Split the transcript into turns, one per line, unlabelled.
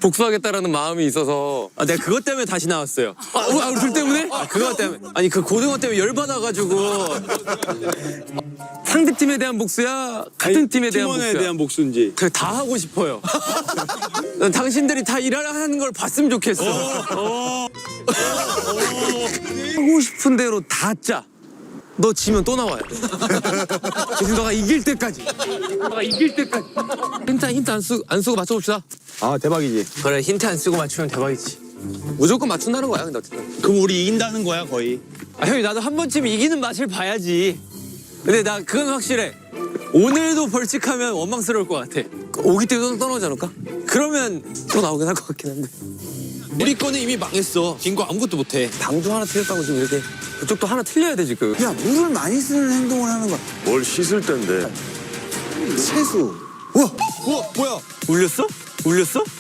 복수하겠다라는 마음이 있어서.
아, 내가 그것 때문에 다시 나왔어요.
우리 둘 때문에?
아, 그것 때문에. 아니, 그 고등어 때문에 열받아가지고.
상대팀에 대한 복수야? 같은 팀에 대한
팀원에
복수야?
대한 복수인지.
그래, 다 하고 싶어요. 난 당신들이 다 일하는 걸 봤으면 좋겠어. 하고 싶은 대로 다 짜. 너 지면 또 나와요. 그래서 너가 이길 때까지. 힌트 안 쓰고 맞춰봅시다.
아, 대박이지.
그래, 힌트 안 쓰고 맞추면 대박이지.
무조건 맞춘다는 거야, 근데 어쨌든.
그럼 우리 이긴다는 거야, 거의.
아, 형이 나도 한 번쯤 이기는 맛을 봐야지. 근데 나 그건 확실해. 오늘도 벌칙하면 원망스러울 것 같아.
오기 때문에 떠나오지 않을까?
그러면
또 나오긴 할 것 같긴 한데.
우리 거는 이미 망했어. 긴 거 아무것도 못해.
방도 하나 틀렸다고 지금 이렇게. 그쪽도 하나 틀려야 돼, 지금.
야, 물을 많이 쓰는 행동을 하는 거야.
뭘 씻을 텐데.
세수.
우와, 뭐야?
울렸어? 울렸어?